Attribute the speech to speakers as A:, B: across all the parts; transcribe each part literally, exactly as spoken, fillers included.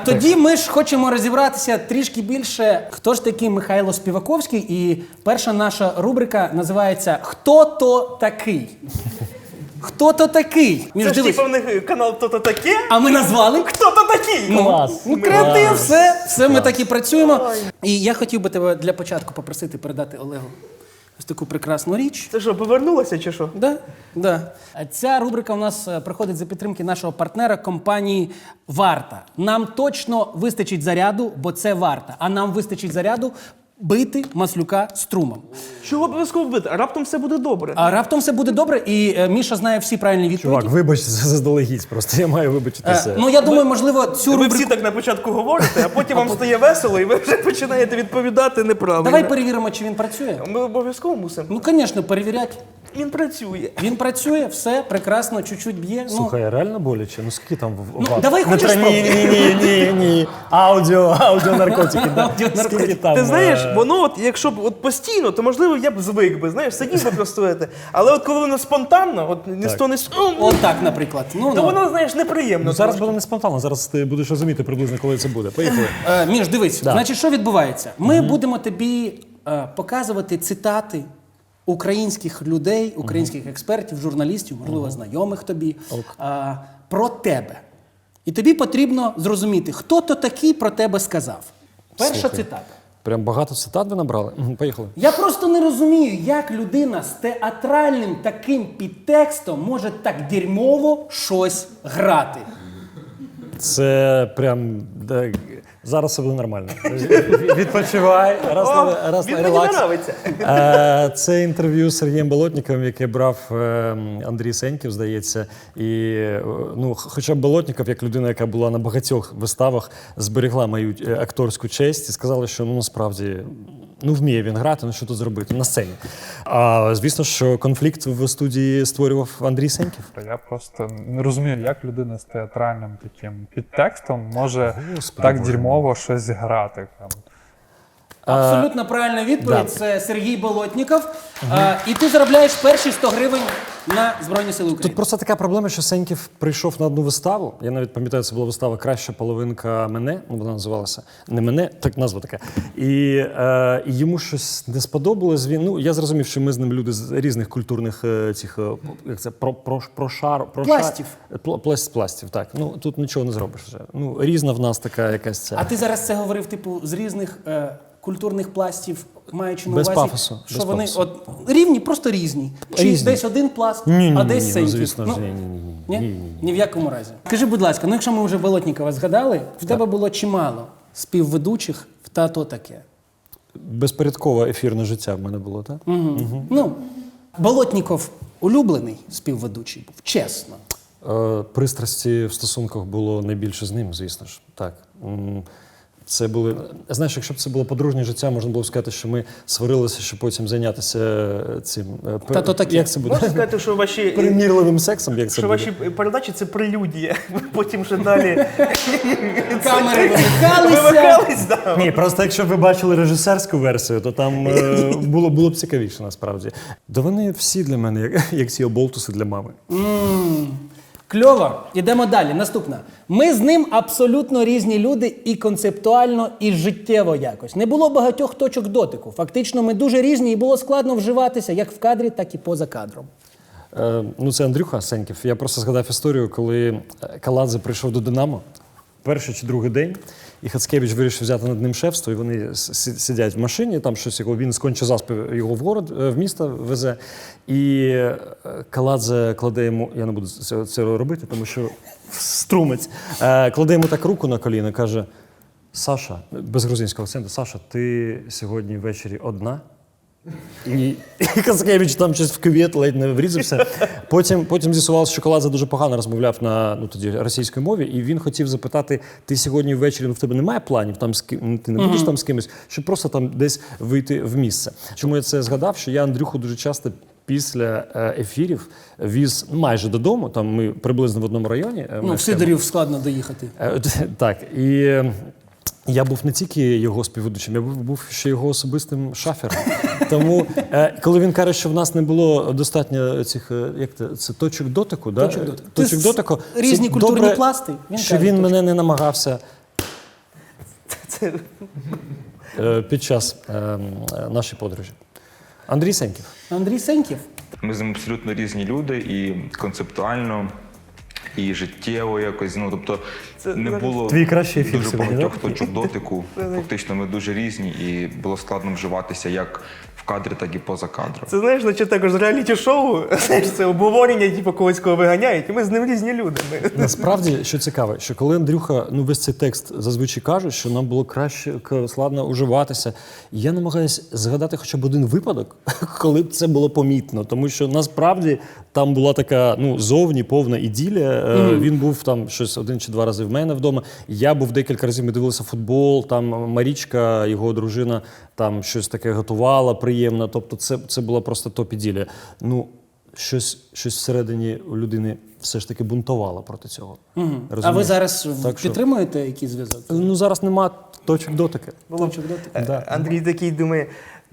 A: тоді ми ж хочемо розібратися трішки більше, хто ж такий Михайло Співаковський. І перша наша рубрика називається «Хто то такий?». Хто то такий? Між
B: Це ж
A: дивись.
B: типу в них канал «Хто-то таке»,
A: А ми назвали
B: хто то такий?
C: Клас.
A: Ну, креатив,
C: Клас.
A: все, все ми так і працюємо. І я хотів би тебе для початку попросити передати Олегу ось таку прекрасну річ.
B: Це що, повернулося чи що?
A: Да, да. Ця рубрика у нас е, проходить за підтримки нашого партнера компанії «Варта». Нам точно вистачить заряду, бо це «Варта». А нам вистачить заряду бити Маслюка струмом.
B: Чого обов'язково бити? А раптом все буде добре.
A: А раптом все буде добре, і е, Міша знає всі правильні відповіді.
C: Чувак, вибач заздалегідь, просто я маю
A: Е,
C: вибачитися.
A: ну, я думаю, можливо, цю
B: Ви
A: рубрику...
B: всі так на початку говорите, а потім вам стає весело, і ви вже починаєте відповідати неправильно.
A: Давай перевіримо, чи він працює.
B: Ми обов'язково мусимо.
A: Ну, звісно, перевіряти.
B: Він працює.
A: Він працює, все, прекрасно, чуть-чуть б'є.
C: Слухай, а реально боляче? Ну скільки там в
A: Ну,
C: ват?
A: давай
C: Не
A: хочеш
C: треба- Ні, ні, ні, ні, ні. Аудіо, аудіонаркотики. да.
A: Аудіонаркотики.
C: Скільки там?
B: Ти знаєш,
C: е,
B: воно от, якщо б от постійно, то можливо я б звик би, знаєш, сидів би просто. це. Але от коли воно спонтанно, от ні з того не з-
A: От так, наприклад. Ну,
B: то
A: ну.
B: воно, знаєш, неприємно.
C: Ну зараз
B: трошки.
C: буде не спонтанно, зараз ти будеш розуміти приблизно, коли це буде. Поїхали.
A: Е, Міш, дивись,
C: Да.
A: значить, що відбувається? Ми будемо тобі е, показувати цитати українських людей, українських експертів, журналістів, можливо, знайомих тобі, е, про тебе. І тобі потрібно зрозуміти, хто то такий про тебе сказав. Перша
C: Слухай.
A: цитата.
C: Прям багато цитат ви набрали? Мгм, Поїхали.
A: Я просто не розумію, як людина з театральним таким підтекстом може так дерьмово щось грати.
C: Це прям... да, зараз все буде нормально. Відпочивай. Раз,
B: О,
C: на- раз,
B: він
C: на-
B: мені
C: релакс.
B: подобається.
C: Е, Це інтерв'ю з Сергієм Болотніковим, яке брав е, Андрій Сеньків, здається. І, е, ну, хоча б Болотніков, як людина, яка була на багатьох виставах, зберегла мою е, акторську честь і сказала, що ну, насправді ну, вміє він грати, ну що тут зробити на сцені. А звісно, що конфлікт в студії створював Андрій Сеньків.
D: Я просто не розумію, як людина з театральним таким підтекстом може
C: Господи
D: так
C: Боже
D: дерьмово щось грати. Там.
A: Абсолютно правильна відповідь.
C: да.
A: Це Сергій Болотніков. А, і ти заробляєш перші сто гривень на Збройні Сили України.
C: Тут просто така проблема, що Сеньків прийшов на одну виставу. Я навіть пам'ятаю, це була вистава «Краща половинка мене», ну вона називалася «Не мене», так назва така. І, е, і йому щось не сподобалось. Він, ну, я зрозумів, що ми з ним люди з різних культурних е, цих, е, як це, про, про, про шар, про
A: Пластів.
C: Шар, пл- пласт, пластів, так. Ну, тут нічого не зробиш вже. Ну, різна в нас така якась ця.
A: А ти зараз це говорив, типу, з різних е, культурних пластів, маючи на
C: Без
A: увазі,
C: пафосу,
A: що
C: без
A: вони
C: пафосу.
A: от, рівні, просто різні. Чи
C: Різні.
A: десь один пласт,
C: Ні, ні,
A: а
C: ні,
A: десь
C: ні, ну,
A: Сеньків.
C: звісно ж, ні, ні, ні, ні.
A: Ні?
C: Ні, ні, ні.
A: Ні в якому разі. Скажи, будь ласка, ну якщо ми вже Болотнікова згадали, в тебе було чимало співведучих в «Та-то таке».
C: Безпорядкове ефірне життя в мене було, так?
A: Угу. Ну, Болотніков улюблений співведучий був, чесно.
C: Е, Пристрасті в стосунках було найбільше з ним, звісно ж. Так. М, Це були. Знаєш, якщо б це було подружнє життя, можна було б сказати, що ми сварилися, щоб потім зайнятися цим. е, пер-
A: Та то таке.
C: Як це буде?
B: Можна сказати, що ваші,
C: Примірливим сексом, як це
B: що
C: буде?
B: ваші передачі це прелюдія. Потім вже далі
A: Камери вимикалися.
B: вимикались. Да.
C: Ні, просто якщо б ви бачили режисерську версію, то там е, було, було б цікавіше насправді. Да вони всі для мене, як, як ці оболтуси для мами.
A: Кльово. Ідемо далі. Наступна. Ми з ним абсолютно різні люди і концептуально, і життєво якось. Не було багатьох точок дотику. Фактично, ми дуже різні і було складно вживатися як в кадрі, так і поза кадром.
C: Е, ну, це Андрюха Сеньків. Я просто згадав історію, коли Каладзе прийшов до «Динамо», перший чи другий день, і Хацкевич вирішив взяти над ним шефство, і вони с- сидять в машині, там щось його, він з Конча-Заспи його в город, е, в місто везе, і е, Каладзе кладе йому, я не буду це, це робити, тому що струмець, е, кладе йому так руку на коліно, каже: Саша, без грузинського акценту, Саша, ти сьогодні ввечері одна? І, і Хацкевич там щось в кювет ледь не врізався. Потім, потім з'ясувалося, що Каладзе дуже погано розмовляв на ну, тоді, російській мові, і він хотів запитати: ти сьогодні ввечері, ну, в тебе немає планів, там, з ким, ти не будеш там з кимось, щоб просто там десь вийти в місце. Чому я це згадав? Що я Андрюху дуже часто після е, ефірів віз майже додому, там ми приблизно в одному районі. е,
A: Ну, в
C: мешкаємо.
A: Сидорів складно доїхати.
C: Е, Так, і е, я був не тільки його співведучим, я був, був ще його особистим шафером. Тому, е, коли він каже, що в нас не було достатньо цих, е, як це, це точок дотику, да?
A: Точок дотику.
C: точок
A: Ти
C: дотику,
A: різні
C: це
A: культурні
C: добре,
A: пласти, він
C: що
A: каже,
C: він
A: точно.
C: мене не намагався
B: Це...
C: Е, Під час е, м, нашої подорожі. Андрій Сеньків.
A: Андрій Сеньків.
E: Ми з ним абсолютно різні люди і концептуально, і життєво якось. Ну, тобто
B: Це
E: не було
C: Твій кращий ефір
E: дуже
C: сьогодні,
E: багатьох
C: да?
E: точок дотику. Фактично ми дуже різні і було складно вживатися як в кадрі, так і поза кадром.
B: Це, знаєш, наче також з реаліті-шоу, знаєш, це обговорення, типу, когось кого виганяють, і ми з ним різні люди. Ми...
C: Насправді, що цікаво, що коли Андрюха, ну весь цей текст зазвичай каже, що нам було краще к- складно уживатися, я намагаюся згадати хоча б один випадок, коли б це було помітно. Тому що насправді там була така ну, зовні повна іділія. Е, Він був там щось один чи два рази в мене вдома. Я був декілька разів, ми дивилися футбол, там Марічка, його дружина, там щось таке готувала приємно. Тобто це, це була просто топ-іділія. Ну, щось, щось всередині у людини все ж таки бунтувало проти цього.
A: Угу. А ви
C: Розумієш?
A: зараз
C: Так що-
A: підтримуєте якийсь зв'язок?
C: Ну, зараз нема точок дотики.
A: Точок дотику?
C: Да.
B: Андрій такий думає,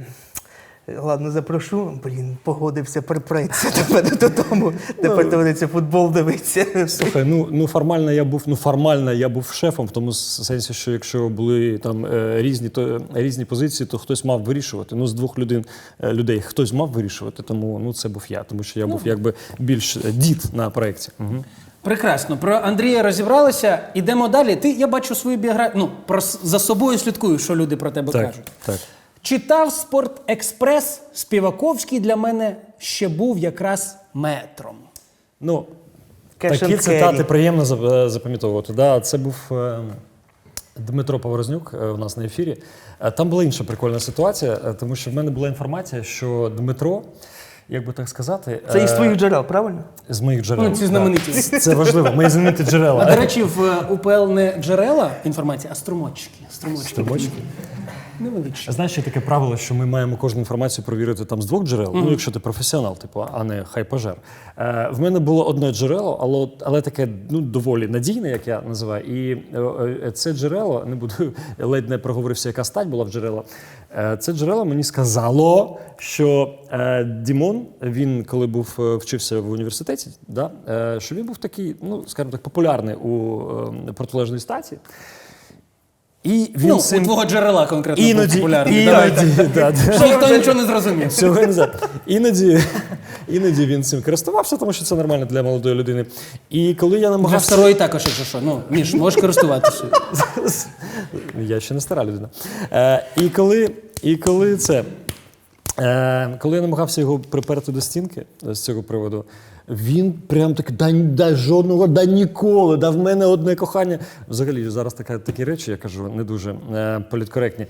B: ладно, запрошу, блін, погодився, припреться до мене додому, тепер доведеться футбол дивитися.
C: Слухай, ну, ну формально я був, ну формально я був шефом, в тому сенсі, що якщо були там е, різні, то, е, різні позиції, то хтось мав вирішувати. Ну, з двох людей, е, людей хтось мав вирішувати, тому ну, це був я, тому що я був якби більш е, дід на проєкті. Угу.
A: Прекрасно. Про Андрія розібралися. Ідемо далі. Ти, я бачу свою біографію. Ну, про, с- за собою слідкую, що люди про тебе
C: Так,
A: кажуть.
C: так.
A: Читав «Спорт-експрес». Співаковський для мене ще був якраз метром.
C: Ну,
B: Cash
C: такі
B: and
C: цитати
B: carry.
C: приємно зап- запам'ятовувати. Да, це був е, Дмитро Поворознюк е, у нас на ефірі. Е, Там була інша прикольна ситуація, е, тому що в мене була інформація, що Дмитро, як би так сказати,
B: Це із
C: е,
B: твоїх джерел, правильно?
C: з моїх джерел.
A: Ну, ці знамениті.
C: Да. Це важливо, мої знамениті
A: А, до
C: джерела.
A: речі, в е, УПЛ не джерела інформації, а струмочки. Струмочки.
C: Струмочки?
A: Невеличкі.
C: Знаєш, є таке правило, що ми маємо кожну інформацію провірити там з двох джерел, ну, якщо ти професіонал, типу, а не хайпажер. Е, в мене було одне джерело, але, але таке ну, доволі надійне, як я називаю. І е, е, це джерело, не буду, ледь не проговорився, яка стать була в джерела. Е, це джерело мені сказало, що е, Дімон, він коли був е, вчився в університеті, да, е, що він був такий, ну, скажімо так, популярний у е, протилежній статі. І він
A: Ну,
C: цим-
A: у твого джерела конкретно був
C: Іноді,
A: популярний. Давай так.
C: іноді, да, да.
A: Що ніхто нічого не зрозумів.
C: Всього не знаю. Іноді, іноді він цим користувався, тому що це нормально для молодої людини. І коли я
A: Вже
C: намагався...
A: второї також, якщо що. Ну, Міш, можеш користуватися.
C: Я ще не стара людина. Е, і, коли, і коли це... Е, коли я намагався його приперти до стінки з цього приводу, він прям так, да, да жодного, да ніколи, да в мене одне кохання. Взагалі, зараз така, такі речі, я кажу, не дуже е, політкоректні.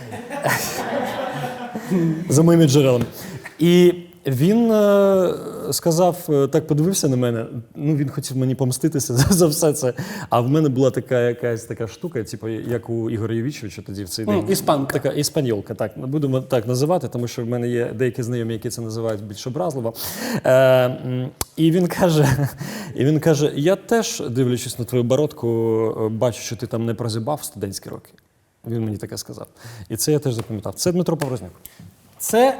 C: За моїми джерелами. І він е, сказав, е, так подивився на мене, ну він хотів мені помститися за, за все це. А в мене була така якась така штука, типу, як у Ігоря Євічовича тоді в цей
A: Ну,
C: день.
A: іспанка.
C: Така іспаньолка, так, будемо так називати, тому що в мене є деякі знайомі, які це називають більш образливо. Е, м, і він каже, і він каже, я теж, дивлячись на твою бородку, е, бачу, що ти там не прозябав студентські роки. Він мені таке сказав. І це я теж запам'ятав. Це Дмитро Поворознюк.
A: Це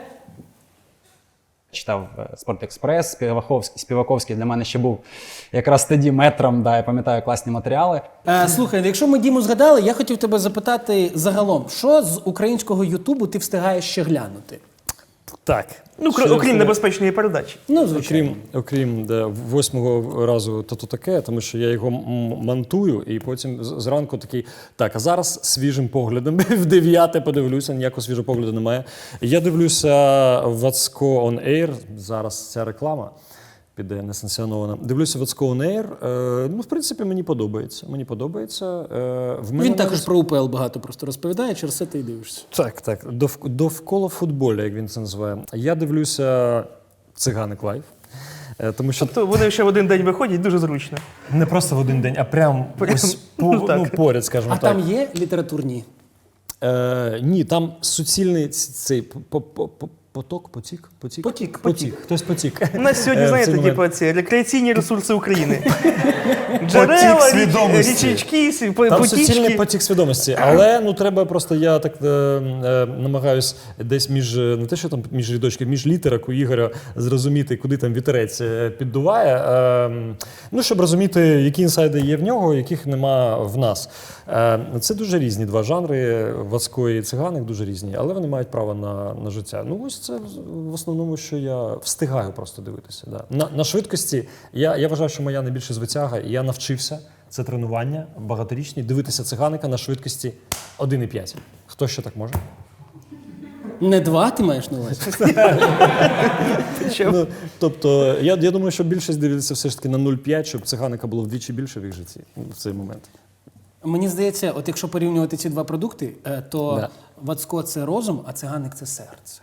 F: Читав е, «Спорт-експрес», Співаковський, Співаковський для мене ще був якраз тоді метром, да, я пам'ятаю класні матеріали.
A: Е, слухай, якщо ми Діму згадали, я хотів тебе запитати загалом, що з українського Ютубу ти встигаєш ще глянути?
C: Так.
B: Ну,
C: Ще
B: кр- окрім
C: це-
B: небезпечної передачі.
A: Ну, звичайно.
C: Окрім, окрім да, восьмого разу то то таке, тому що я його м- монтую і потім з- зранку такий, так, а зараз свіжим поглядом, в дев'яте подивлюся, ніякого свіжого погляду немає. Я дивлюся Вацко On Air, зараз ця реклама піде несанкціонована. Дивлюся Вацко On Air, е, ну, в принципі, мені подобається. Мені подобається. Е, в мене
A: Він також
C: навіть-
A: про УПЛ багато просто розповідає, через це ти й дивишся.
C: Так, так. Дов, довкола футболу, як він це називає. Я дивлюся «Циганик Лайв». Е, Тому що
B: То вони ще в один день виходять, дуже зручно.
C: не просто в один день, а прям ось по,
B: ну, так.
C: ну, поряд, скажімо
A: А
C: так.
A: там є літературні?
C: Е, ні, там суцільний ц- цей по- по- по- поток, потік, потік?
B: Потік,
C: потік. Хтось потік.
B: У нас сьогодні,
C: Е, в
B: знаєте,
C: цей
B: типу,
C: момент.
B: ці рекреаційні ресурси України. Джерела, річ-
C: свідомості.
B: річечки, сі- по-
C: Там суцільний
B: потічки.
C: потік свідомості. Але ну треба просто, я так е, е, намагаюсь десь між, е, не те, що там між рядочків, між літерок у Ігоря зрозуміти, куди там вітерець е, піддуває. Е, ну, щоб розуміти, які інсайди є в нього, яких нема в нас. Е, це дуже різні два жанри, Вацько і Циганик дуже різні, але вони мають право на, на життя. Ну ось це в основному, що я встигаю просто дивитися. Да. На, на швидкості я, я вважаю, що моя найбільша звитяга, і я навчився, це тренування багаторічні, дивитися Циганика на швидкості один і п'ять. Хто ще так може?
A: Не два ти маєш на увазі?
C: Ну, тобто, я, я думаю, що більшість дивиться все ж таки на нуль п'ять, щоб Циганика було вдвічі більше в їх житті в цей момент.
A: Мені здається, от якщо порівнювати ці два продукти, е, то
C: Да.
A: Вацько – це розум, а Циганик – це серце.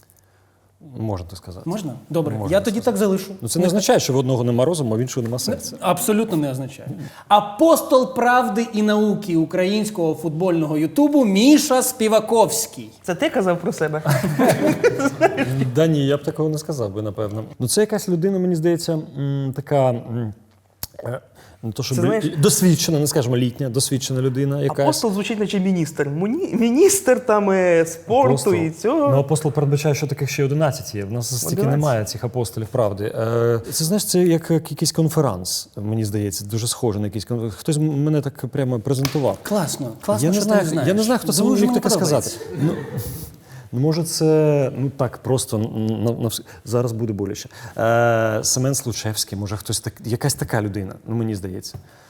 C: Можна так сказати.
A: Можна? Добре,
C: Можна
A: я тоді так залишу.
C: Ну, це не означає, що в одного нема розуму, а в іншого нема серця.
A: Абсолютно не означає. Апостол правди і науки українського футбольного ютубу Міша Співаковський.
B: Це ти казав про себе?
C: Да ні, я б такого не сказав би, напевно. Ну це якась людина, мені здається, м, така. м, е, Не то, щоб
B: Це, знаєш-
C: досвідчена, не скажімо літня, досвідчена людина, якась.
B: Апостол звучить наче міністр. Муні... Міністр там е, спорту
C: Апостол.
B: і цього.
C: Ну, апостол передбачає, що таких ще одинадцять є. В нас стільки
B: одинадцять.
C: немає цих апостолів, правди. Е, це, знаєш, це як якийсь конферанс, мені здається, дуже схоже на якийсь конферанс. Хтось мене так прямо презентував.
A: Класно, класно,
C: Я не
A: що
C: знаю,
A: ти не знаєш.
C: я не знаю, хто це
A: Дуже
C: міг
A: мені
C: таке сказати.
A: подобається.
C: Ну, ну, може, це ну так просто на, на, вс- зараз буде боляче. Е, Семен Случевський, може, хтось так, якась така людина, ну мені здається.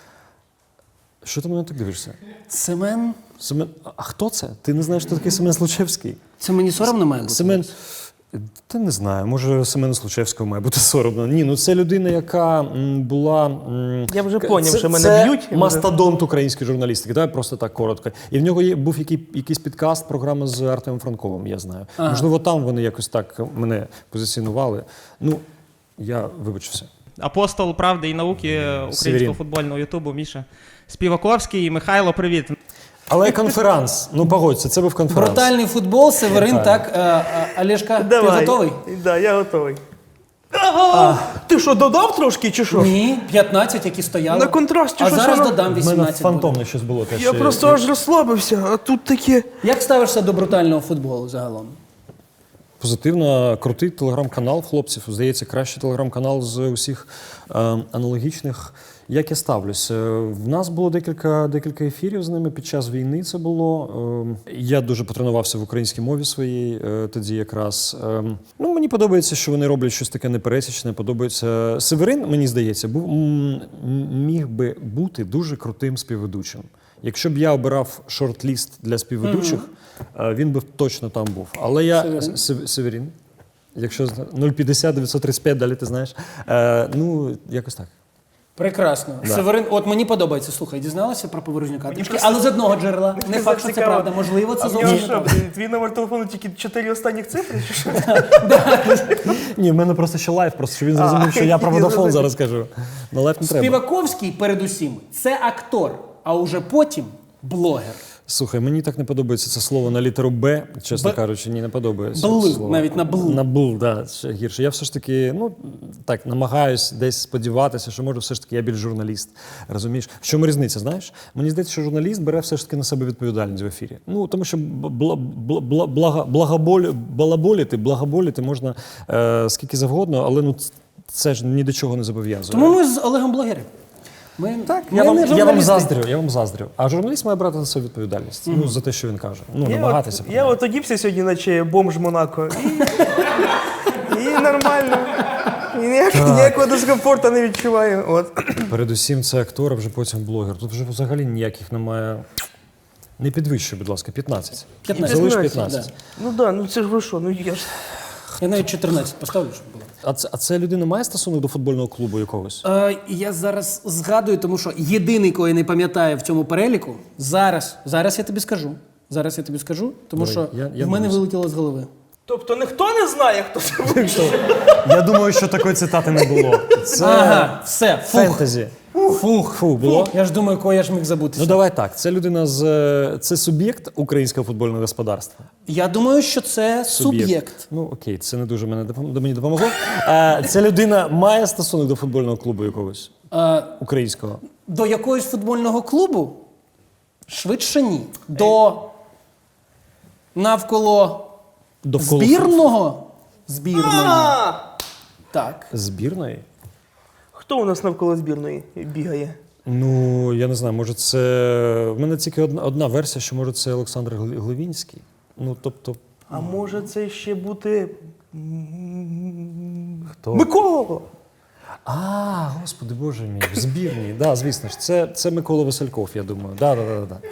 C: Що ти мене так дивишся?
A: Семен,
C: Семен, а хто це? Ти не знаєш, хто такий Семен Случевський?
A: це мені соромно має бути?
C: Семен. Та не знаю, може Семену Случевського має бути соромно. Ні, ну це людина, яка м, була. м,
B: Я вже
C: к-
B: поняв,
C: це-
B: що мене
C: це
B: б'ють, і вже-
C: мастодонт української журналістики, давай просто так коротко. І в нього є, був який, якийсь підкаст, програма з Артемом Франковим, я знаю.
A: Ага.
C: Можливо, там вони якось так мене позиціонували. Ну, я вибачився.
G: Апостол правди і науки українського
C: Северін.
G: футбольного ютубу Міша Співаковський. Михайло, привіт.
C: Але конферанс, ну погодься, це був конферанс.
A: Брутальний футбол, Северин,
C: Так.
A: так. е, е, Олешка, ти
B: Давай.
A: готовий?
B: Да, я готовий. Ага! Ти що, додав трошки чи що?
A: Ні, п'ятнадцять, які стояли.
B: На контрасті,
A: А
B: що
A: зараз
B: це на-
A: додам
C: У мене
A: вісімнадцять. буде.
C: фантомне щось було теж.
B: Я просто аж розслабився, а тут таке.
A: Як ставишся до брутального футболу загалом?
C: Позитивно, крутий телеграм-канал в хлопців. Здається, кращий телеграм-канал з усіх е, аналогічних. Як я ставлюсь? Е, В нас було декілька, декілька ефірів з ними під час війни. Це було. Е, я дуже потренувався в українській мові своїй е, тоді якраз. Е, ну, мені подобається, що вони роблять щось таке непересічне. Подобається. Северин, мені здається, був, м, міг би бути дуже крутим співведучим. Якщо б я обирав шорт-ліст для співведучих, е, він би точно там був. Але я
A: Северин?
C: Сев- Северін. Якщо зна- нуль п'ятдесят дев'ятсот тридцять п'ять, далі ти знаєш. Е, ну, якось так.
A: Прекрасно.
C: Да.
A: Северин, от мені подобається. Слухай, дізналася про Поворожнюка трішки, але з одного джерела. Не факт, що це
B: Цікаво.
A: правда. Можливо, це
B: А в нього
A: зовсім
B: що,
A: правда.
B: блін, твій номер телефону тільки чотири останніх цифри, чи що?
C: Ні, в мене просто ще лайф, просто щоб він зрозумів, що я про
B: я
C: Водафон
B: зрозумів.
C: зараз кажу. На лайф не треба.
A: Співаковський, передусім, це актор, а уже потім блогер.
C: Слухай, мені так не подобається це слово на літеру Б, чесно
A: Б-
C: кажучи, ні, не подобається.
A: Бл,
C: це слово.
A: навіть на бл.
C: На бл, да, ще гірше. Я все ж таки, ну, так, намагаюсь десь сподіватися, що може все ж таки я більш журналіст. Розумієш? В чому різниця, знаєш? Мені здається, що журналіст бере все ж таки на себе відповідальність в ефірі. Ну, тому що бла, бла, бла, блага, благоболь, балаболіти, благоболіти можна е, скільки завгодно, але ну, це ж ні до чого не зобов'язує.
A: Тому ми з Олегом блогери. Ми,
C: Так,
A: ми
C: я вам,
A: не
C: я вам
A: журналісти.
C: заздрю, я вам заздрю. А журналіст має брати на себе відповідальність. Ну, за те, що він каже. Ну,
B: Я
C: намагатися.
B: от, я от одівся сьогодні, наче бомж Монако. І, і нормально. І ніяк, ніякого дискомфорту не відчуваю. От.
C: Передусім, це актор, а вже потім блогер. Тут вже взагалі ніяких немає. Не підвищуй, будь ласка, п'ятнадцять.
A: п'ятнадцять.
C: Залиш
A: п'ятнадцять,
C: п'ятнадцять.
B: Ну так, да, ну це ж ви що, ну я ж.
A: Я навіть чотирнадцять поставлю, щоб було.
C: А це, а це людина має стосунок до футбольного клубу якогось?
A: Е, я зараз згадую, тому що єдиний, кого я не пам'ятаю в цьому переліку, зараз, зараз я тобі скажу. Зараз я тобі скажу, тому
C: Давай,
A: що
C: я- я
A: в мене
C: дивлюся.
A: вилетіло з голови.
B: Тобто ніхто не знає, хто це був?
C: Я думаю, що такої цитати не було. Це
A: Ага, все, фух.
C: фентезі. Фух, фу, було.
A: Я ж думаю, кого я ж міг забути.
C: Ну давай так. Це людина з е, це суб'єкт українського футбольного господарства.
A: Я думаю, що це суб'єкт.
C: Ну окей, це не дуже мене допом- до мені допомогло. Е, ця людина має стосунок до футбольного клубу якогось
A: Е,
C: українського.
A: До якогось футбольного клубу? Швидше ні. До навколо
C: Довкола
A: збірного? Збірної. Так.
C: збірної.
B: Хто у нас навколо збірної бігає?
C: Ну я не знаю, може це в мене тільки одна, одна версія, що може це Олександр Гли- Глевінський. Ну тобто,
B: А може це ще бути м,
C: хто?
B: Микола?
C: А, господи, боже мій, в збірній. Да, звісно ж, це, це Микола Васильков, я думаю. Да, да, да, да.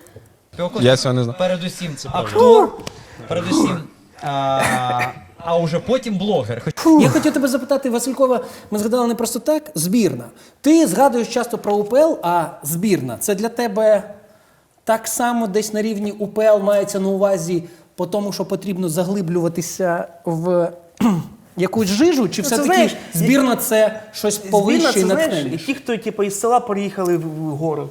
H: Я цього не знаю.
I: Передусім актор, передусім, а, а уже потім блогер.
A: Я хотів тебе запитати, Василькова, ми згадали не просто так, збірна. Ти згадуєш часто про УПЛ, а збірна – це для тебе так само десь на рівні УПЛ мається на увазі по тому, що потрібно заглиблюватися в якусь жижу, чи
B: Ну, це,
A: все-таки
B: знаєш,
A: збірна – це щось
B: Збірна
A: повище
B: це,
A: і
B: знаєш,
A: натхнення?
B: ті, хто типу, із села переїхали в в город.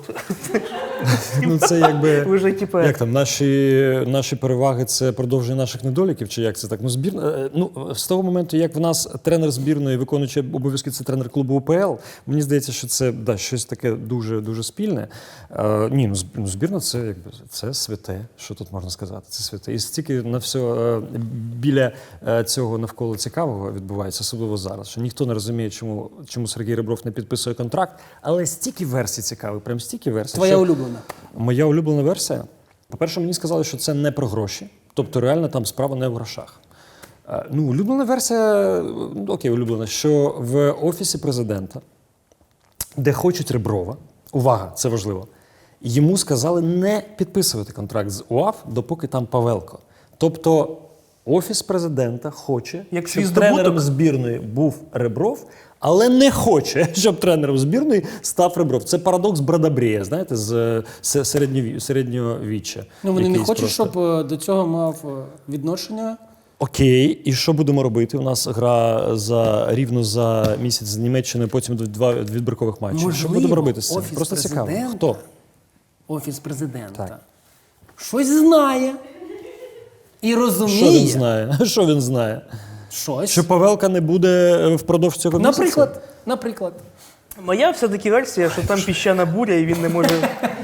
C: Ну це якби
B: Вже, типу,
C: як там наші, наші переваги це продовження наших недоліків, чи як це так? Ну збірна. е, Ну з того моменту, як в нас тренер збірної, виконуючи обов'язки, це тренер клубу УПЛ. Мені здається, що це да щось таке дуже дуже спільне. Е, ні, ну зб- ну, збірна це якби це святе. Що тут можна сказати? Це святе. І стільки на все е, біля е, цього навколо цікавого відбувається, особливо зараз. Що ніхто не розуміє, чому чому Сергій Ребров не підписує контракт, але стільки версій цікавих, прям стільки версій.
A: Твоя
C: що-
A: улюблена?
C: Моя улюблена версія. По-перше, мені сказали, що це не про гроші. Тобто, реально там справа не в грошах. Е, Ну, улюблена версія, ну, окей, улюблена, що в Офісі президента, де хочуть Реброва, увага, це важливо, йому сказали не підписувати контракт з УАФ, допоки там Павелко. Тобто, Офіс президента хоче,
B: Як
C: щоб
B: свій
C: тренером
B: здобуток.
C: збірної був Ребров, але не хоче, щоб тренером збірної став Ребров. Це парадокс Брадабрія, знаєте, з е, се- середньові- середньовіччя.
A: Ну, вони не
C: Якийсь
A: хочуть,
C: просто.
A: щоб е, до цього мав е, відношення.
C: Окей, і що будемо робити? У нас гра за рівно за місяць з Німеччиною, потім два відбіркових матчів. Що
A: Можливо,
C: будемо робити з цим?
A: Офіс
C: Просто цікаво.
A: президента?
C: Хто?
A: Офіс президента.
C: Так.
A: Щось знає. І
C: Що
A: розуміє.
C: він знає? Що він знає?
A: Щось.
C: Що Павелка не буде впродовж цього місяця?
A: Наприклад, наприклад.
B: Моя все-таки версія, що там піщана буря і він не може.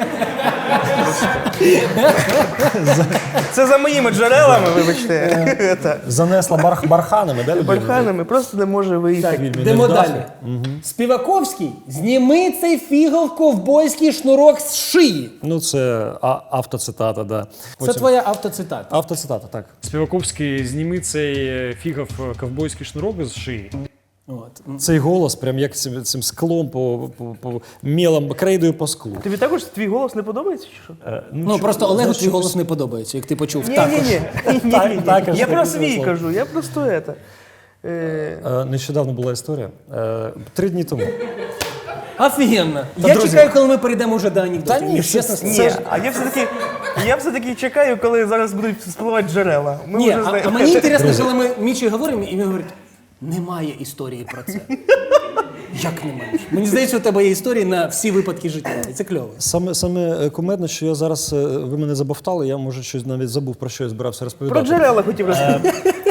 B: Це за моїми джерелами, вибачте. Та.
C: Занесла барх барханами, да, людина?
B: Барханами просто не може виїхати.
C: Він не
A: Йдемо
C: вдався?
A: далі. Співаковський, зніми цей фігов ковбойський шнурок з шиї.
C: Ну, це а, автоцитата, да.
A: Це
C: Потім-
A: твоя автоцитата.
C: Автоцитата, так.
J: Співаковський, зніми цей фігов ковбойський шнурок з шиї.
A: От.
C: Цей голос, прям як цим, цим склом по, по, по мілам, крейдою по склу.
B: Тобі також твій голос не подобається, чи що?
C: Е,
A: Ну,
C: чо-
A: просто Олегу
C: знаєш,
A: твій голос не подобається, як ти почув.
B: Ні,
A: Також.
B: ні, ні. Ні,
C: Так,
B: ні,
C: так,
B: ні.
C: аж
B: Я
C: таке
B: про свій
C: слово.
B: кажу, я просто это. Е,
C: Е, Нещодавно була історія. Е, Три дні тому.
A: Офігенно.
C: Та,
A: Я
C: друзі-
A: чекаю, коли ми перейдемо вже до анекдотів.
C: Та ні,
A: Ні,
C: це-
A: чесно
C: це-
A: сказати.
B: Ні, а я все-таки, я все-таки чекаю, коли зараз будуть спливати джерела. Ми
A: Ні,
B: вже
A: а,
B: знаємо.
A: а мені інтересно, коли ми Мічі говоримо, і він говорить, немає історії про це. Як немає? Мені здається, у тебе є історії на всі випадки життя. І це кльово.
C: Саме, саме е, кумедне, що я зараз, е, ви мене забовтали, я, може, щось навіть забув, про що я збирався
B: Про
C: розповідати.
B: джерела хотів розповісти.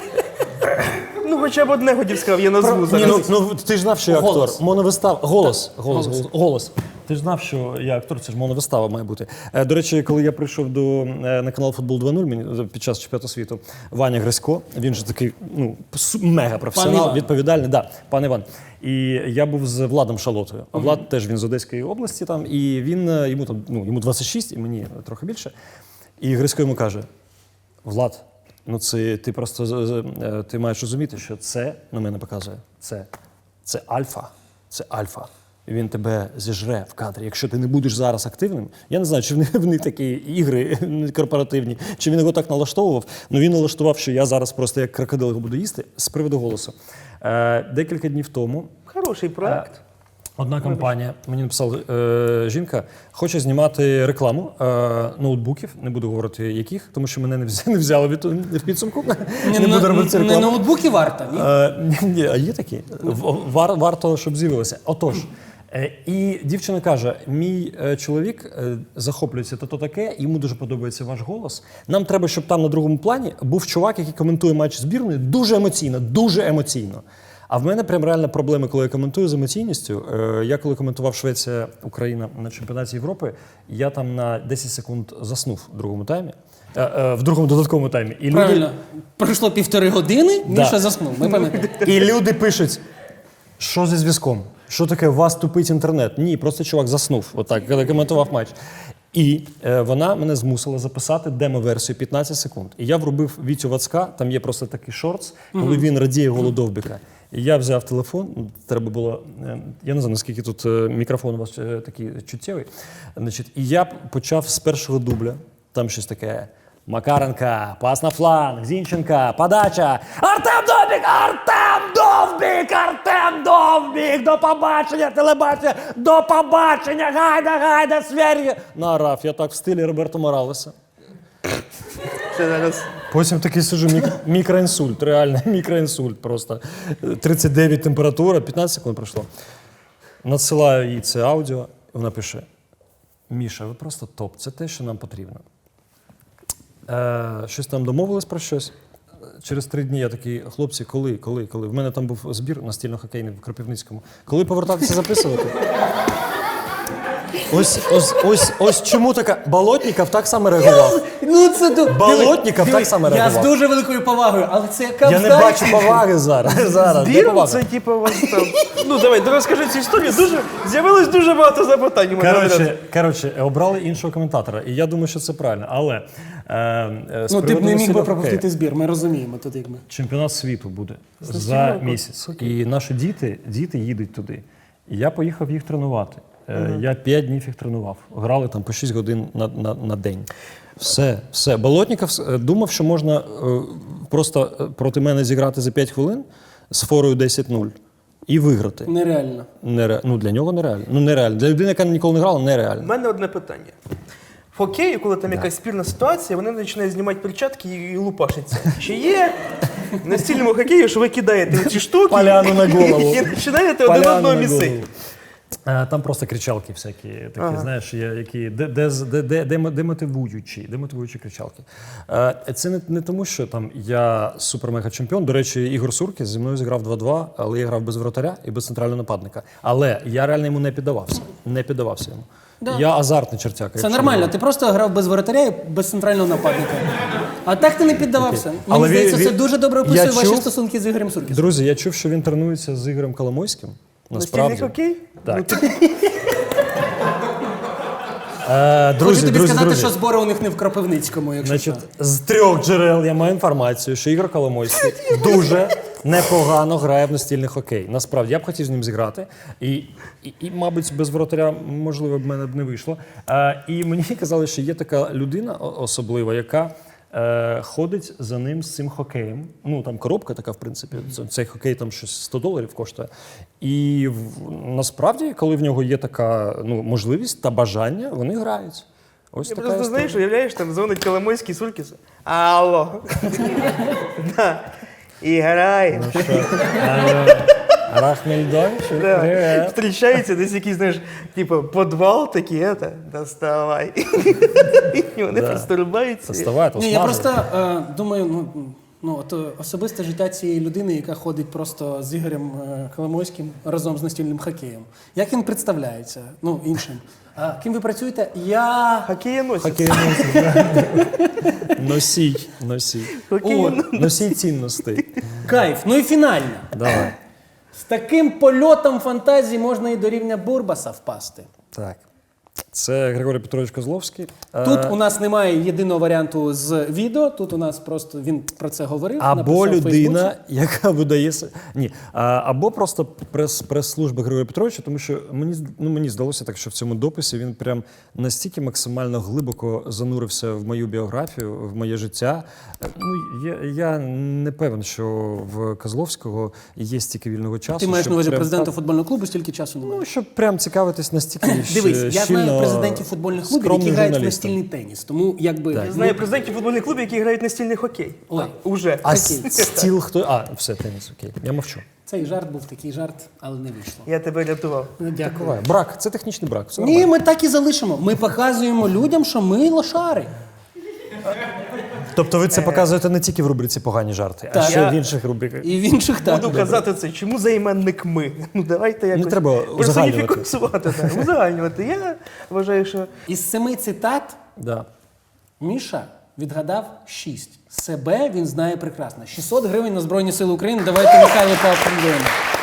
B: Ну, хоча б одне хотів сказав, я назву
C: Ні,
B: зараз.
C: ну, ну, ти ж знав, що я актор.
A: Голос.
C: Моновистава. Голос. Голос. Голос. Голос. Ти ж знав, що я актор, це ж моновистава має бути. Е, До речі, коли я прийшов до, е, на канал Футбол два нуль мені під час чемпіонату світу, Ваня Грисько, він же такий ну, су- мега
A: Пан
C: професіонал,
A: Іван.
C: відповідальний. Да, пан Іван. І я був з Владом Шалотою. А Влад теж він з Одеської області там, і він е, йому там ну йому двадцять шість, і мені трохи більше. І Грисько йому каже: Влад, ну це ти просто з- з- е, ти маєш розуміти, що це на мене показує. Це, це альфа. Це альфа. І він тебе зіжре в кадрі. Якщо ти не будеш зараз активним, я не знаю, чи в них, в них такі ігри корпоративні, чи він його так налаштовував. Ну він налаштував, що я зараз просто як крокодил його буду їсти з приводу голосу. Е, декілька днів тому
B: Хороший проект.
C: одна компанія, мені написала е, жінка, хоче знімати рекламу е, ноутбуків, не буду говорити яких, тому що мене не взяли, не взяли від, в підсумку. Не,
A: Не,
C: буду робити цю
A: не
C: рекламу.
A: ноутбуки варто, ні?
C: Е, ні, ні, а є такі? В- Вар, варто, щоб з'явилося. Отож, Е, І дівчина каже: мій е, чоловік е, захоплюється то-то таке, йому дуже подобається ваш голос. Нам треба, щоб там на другому плані був чувак, який коментує матч збірної дуже емоційно, дуже емоційно. А в мене прям реально проблеми, коли я коментую з емоційністю. Е, Я коли коментував Швеція-Україна на чемпіонаті Європи, я там на десять секунд заснув в другому таймі, е, е, в другому додатковому таймі. І
A: Правильно. Пройшло півтори години,
C: Да.
A: Міша заснув. Ми пам'ятаємо.
C: І люди пишуть, що зі зв'язком? Що таке, у вас тупить інтернет? Ні, просто чувак заснув, отак, коли коментував матч. І е, вона мене змусила записати демо-версію п'ятнадцять секунд. І я врубив Вітю Вацка, там є просто такий шортс, коли він радіє голу Довбіка. І я взяв телефон, ну, треба було, е, я не знаю, наскільки тут е, мікрофон у вас е, такий чуттєвий. Значить, і я почав з першого дубля, там щось таке. Макаренка, пас на фланг, Зінченка, подача. Артем Довбік! Артем Довбік! Артем Довбік! До побачення, телебачення! До побачення! Гайда, гайда, свері! Наорав, я так в стилі Роберто Моралеса.
B: Це зараз.
C: Потім такий сижу, мік- мікроінсульт, реально мікроінсульт просто. тридцять дев'ять температура, п'ятнадцять секунд пройшло. Надсилаю їй це аудіо, вона пише: Міша, ви просто топ, це те, що нам потрібно. Е, щось там домовились про щось. Через три дні я такий: хлопці, коли, коли, коли? В мене там був збір настільно-хокейний в Кропивницькому. Коли повертатися записувати? Ось, ось, ось, ось чому така. Болотніков так само реагував.
A: Ну, це до...
C: Болотніков
A: Диви,
C: так само
A: диви, Я з
C: реагував.
A: дуже великою повагою, але це яка
C: Я не
A: вдача.
C: бачу поваги зараз. зараз. Де
B: Збір,
C: повага?
B: це типу у вас там. Ну давай, ну розкажи цю історію. Дуже з'явилось дуже багато запитань. у мене одразу.
C: Коротше, коротше, обрали іншого коментатора, і я думаю, що це правильно. Але е, е, з
A: Ну, ти б
C: приводу
A: не міг би
C: настільного
A: пропустити
C: хокею.
A: збір, ми розуміємо тут як ми.
C: Чемпіонат світу буде за
B: настільного
C: місяць. І наші діти, діти їдуть туди. І я поїхав їх тренувати. Е, Я п'ять днів їх тренував. Грали там по шість годин на, на, на день. Все, все. Болотніков е, думав, що можна е, просто е, проти мене зіграти за п'ять хвилин з форою десять нуль і виграти.
A: Нереально.
C: Нере... Ну, для нього нереально. Ну, нереально. Для людини, яка ніколи не грала,
B: У
C: нереально.
B: мене одне питання. В хокеї, коли там якась спірна ситуація, вони починають знімати перчатки і лупашаться. Чи є в настільному хокеї, що ви кидаєте ці штуки
C: Поляну на голову.
B: і починаєте один
C: Поляну
B: одного
C: на
B: місити?
C: голову. Е, Там просто кричалки всякі, такі,
B: Ага.
C: знаєш, є, які де, де, де, де, де, демотивуючі, демотивуючі кричалки. Е, Це не, не тому, що там я супер-мега-чемпіон. До речі, Ігор Суркіс зі мною зіграв два-два, але я грав без вратаря і без центрального нападника. Але я реально йому не піддавався. Не піддавався йому.
A: Да.
C: Я азартний чертяка.
A: Це
C: якщо
A: нормально,
C: не-
A: ти просто грав без воротаря і без центрального нападника. А так ти не піддавався. Мені
C: Але він-
A: здається, це
C: він-
A: дуже добре
C: я
A: описує ваші
C: чув-
A: стосунки з Ігорем Суркісом.
C: Друзі, я чув, що він тренується з Ігорем Коломойським.
B: Настільний
C: Насправді.
B: хокей?
C: Так.
B: Ну, ти-
C: Е, друзі,
A: Хочу тобі
C: друзі,
A: сказати,
C: друзі.
A: що збори у них не в Кропивницькому, якщо
C: Значить,
A: що.
C: з трьох джерел я маю інформацію, що Ігор Коломойський дуже непогано грає в настільний хокей. Насправді, я б хотів з ним зіграти. І, і, і мабуть, без воротаря, можливо, б мене б не вийшло. Е, і мені казали, що є така людина о- особлива, яка е, ходить за ним з цим хокеєм. Ну, там коробка така, в принципі. Ц- Цей хокей там щось сто доларів коштує. І в, насправді, коли в нього є така ну, можливість та бажання, вони грають. Ось
B: Я
C: така
B: просто,
C: історія.
B: знаєш, уявляєш, там дзвонить Коломойський Суркісу. Алло. Да. І грає.
C: Рахмельдончик,
B: Да.
C: привет.
B: Встрічається десь якийсь, знаєш, типу, подвал такий, это, доставай. І вони
C: Да.
B: просто рубаються.
C: Доставай, то
A: Ні, я
C: смажу.
A: просто е, думаю, ну, ну от е, особисте життя цієї людини, яка ходить просто з Ігорем е, Коломойським разом з настільним хокеєм. Як він представляється? Ну, іншим. А, ким ви працюєте? Я.
B: Хокеєносець.
C: Хокейносець, да. Носій, носій.
B: Хокеєносець.
C: Носій цінностей.
A: Кайф. Ну і фінально.
C: Давай.
A: З таким польотом фантазії можна і до рівня Бурбаса впасти.
C: Так. Це Григорій Петрович Козловський.
A: Тут
C: Е,
A: у нас немає єдиного варіанту з відео. Тут у нас просто він про це говорив.
C: Або
A: написав в
C: людина,
A: Фейсбуці.
C: яка видає с- ні, а, або просто прес, прес-служба Григорія Петровича, тому що мені з- ну, мені здалося так, що в цьому дописі він прям настільки максимально глибоко занурився в мою біографію, в моє життя. Е, Ну я, я не певен, що в Козловського є стільки вільного часу.
A: Ти маєш
C: щоб
A: на увазі
C: прям
A: президента
C: так-
A: футбольного клубу, стільки часу немає.
C: Ну, щоб прям цікавитись настільки
A: Дивись, я
C: щільно,
A: знаю президентів футбольних клубів, які
C: скромним
A: грають в
C: журналістом.
A: настільний теніс. Тому якби
C: Так.
A: ну,
B: Знаю президентів футбольних клубів, які грають настільний хокей.
A: Ой.
B: Уже.
C: А с- стіл хто? А, все, теніс, окей. Я мовчу.
A: Цей жарт був такий жарт, але не вийшло.
B: Я тебе рятував.
A: Ну, дякую.
C: Буває. Брак, це технічний брак. Все
A: Ні,
C: нормально.
A: ми так і залишимо. Ми показуємо людям, що ми лошари.
C: Тобто ви це показуєте не тільки в рубриці погані жарти, а
A: Так.
C: ще
B: Я-
C: в інших рубриках.
A: І в інших так.
B: Буду казати це, чому займенник ми? Ну давайте якось
C: треба узагальнювати.
B: персоніфікувати, так, узагальнювати. Я вважаю, що
A: Із семи цитат
C: Да.
A: Міша відгадав шість. Себе він знає прекрасно. шістсот гривень на Збройні Сили України. Давайте Михайло поаплодуємо.